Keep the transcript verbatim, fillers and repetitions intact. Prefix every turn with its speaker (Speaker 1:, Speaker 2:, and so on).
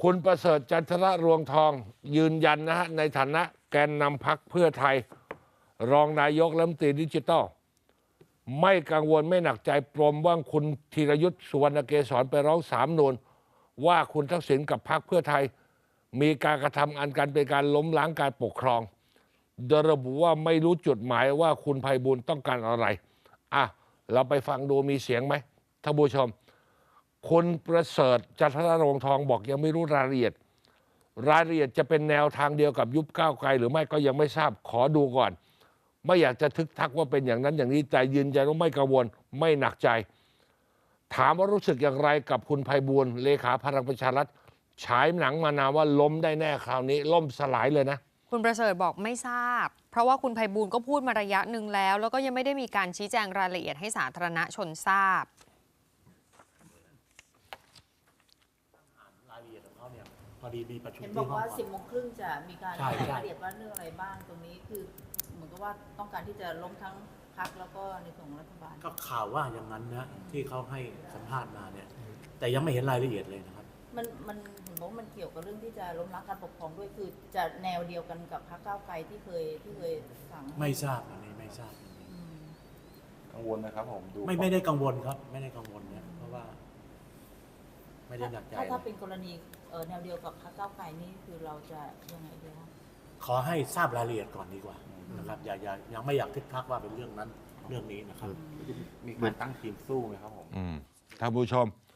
Speaker 1: คุณประเสริฐจันทระรวงทองยืนยันนะฮะในฐานะแกนนำพรรคเพื่อไทยรองนายกรัฐมนตรีดิจิทัลไม่กังวลไม่หนักใจปรมว่าคุณธีรยุทธ์สุวรรณเกษรไปร้องศาลนูนว่าคุณทักษิณกับพรรคเพื่อไทยมีการกระทำอันกันเป็นการล้มล้างการปกครองโดยระบุว่าไม่รู้จุดหมายว่าคุณไพบูลย์ต้องการอะไรอ่ะเราไปฟังดูมีเสียงไหมท่านผู้ชมคุณประเสริฐจันทระรวงทองบอกยังไม่รู้รายละเอียดรายละเอียดจะเป็นแนวทางเดียวกับยุบก้าวไกลหรือไม่ก็ยังไม่ทราบขอดูก่อนไม่อยากจะทึกทักว่าเป็นอย่างนั้นอย่างนี้แต่ยืนยันว่าไม่กังวลไม่หนักใจถามว่ารู้สึกอย่างไรกับคุณไพบูลย์เลขาพลังประชารัฐฉายหนังมานานว่าล้มได้แน่คราวนี้ล่มสลายเลยนะ
Speaker 2: คุณประเสริฐบอกไม่ทราบเพราะว่าคุณไพบูลย์ก็พูดมาระยะหนึ่งแล้วแล้วก็ยังไม่ได้มีการชี้แจงรายละเอียดให้สาธารณชนทราบ
Speaker 3: รายละเอียดของเขาเนี่ยพอดีมีประชุม
Speaker 4: เห็นบ
Speaker 3: ที่
Speaker 4: อก
Speaker 3: ห้อง
Speaker 4: ว่าสิบโมงครึ่งจะมีการ
Speaker 3: ใช่
Speaker 4: ราย
Speaker 3: ใช่
Speaker 4: ละเอียดว่าเรื่องอะไรบ้างตรงนี้คือเหมือนกับว่าต้องการที่จะล้มทั้งพรรคแล้วก็ในส่วนของรัฐบาล
Speaker 3: ก็ข่าวว่าอย่างนั้นนะที่เขาให้สัมภาษณ์มาเนี่ยแต่ยังไม่เห็นรายละเอียดเลยนะครับ
Speaker 4: มันมันเห็นบอกว่ามันเกี่ยวกับเรื่องที่จะล้มล้างการปกครองด้วยคือจะแนวเดียวกันกับพรรคก้าวไกลที่เคยที่เคยสั่ง
Speaker 3: ไม่ทราบอันนี้ไม่ทราบ
Speaker 4: อืม
Speaker 5: กังวลนะครับผมดู
Speaker 3: ไม่ไม่ได้กังวลครับ ไม่ได้กังวลเนี่ยเพราะว่า ไม่ได้หนักใจ
Speaker 4: ถ้าถ้าเป็นกรณีเอ่อแนวเดียวกับพรรคก้าวไกลนี่คือเราจะยังไงดีคะ
Speaker 3: ขอให้ทราบรายละเอียดก่อนดีกว่านะครับอย่าอย่ายังไม่อยากทึกทักว่าเป็นเรื่องนั้นเรื่องนี้นะครับ
Speaker 5: มีการตั้งทีมสู้ไหมครับผม
Speaker 1: ท่านผู้ชม